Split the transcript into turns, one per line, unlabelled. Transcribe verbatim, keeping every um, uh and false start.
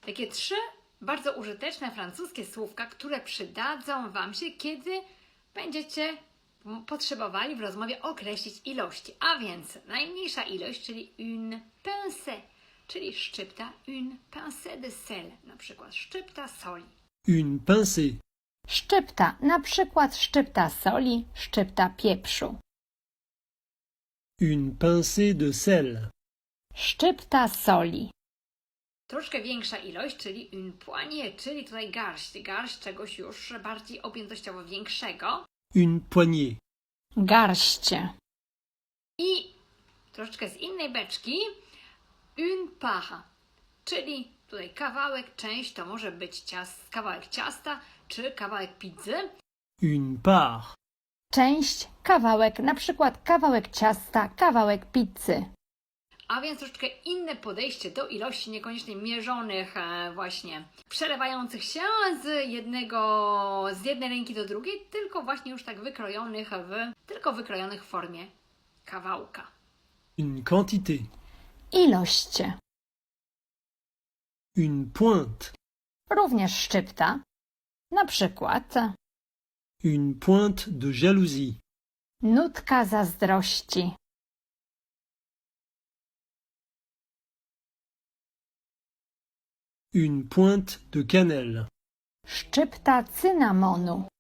Takie trzy bardzo użyteczne francuskie słówka, które przydadzą Wam się, kiedy będziecie potrzebowali w rozmowie określić ilości. A więc najmniejsza ilość, czyli une pincée, czyli szczypta, une pincée de sel, na przykład szczypta soli.
Une pincée.
Szczypta, na przykład szczypta soli, szczypta pieprzu.
Une pincée de sel.
Szczypta soli.
Troszkę większa ilość, czyli une poignée, czyli tutaj garść, garść czegoś już bardziej objętościowo większego.
Une poignée.
Garście.
I troszeczkę z innej beczki une part, czyli tutaj kawałek, część, to może być ciast, kawałek ciasta czy kawałek pizzy.
Une part.
Część, kawałek, na przykład kawałek ciasta, kawałek pizzy.
A więc troszeczkę inne podejście do ilości niekoniecznie mierzonych, e, właśnie przelewających się z jednego, z jednej ręki do drugiej, tylko właśnie już tak wykrojonych w, tylko wykrojonych w formie kawałka.
Une quantité.
Ilość.
Une pointe.
Również szczypta. Na przykład
Une pointe de jalousie.
nutka zazdrości.
Une pointe de cannelle.
Szczypta cynamonu.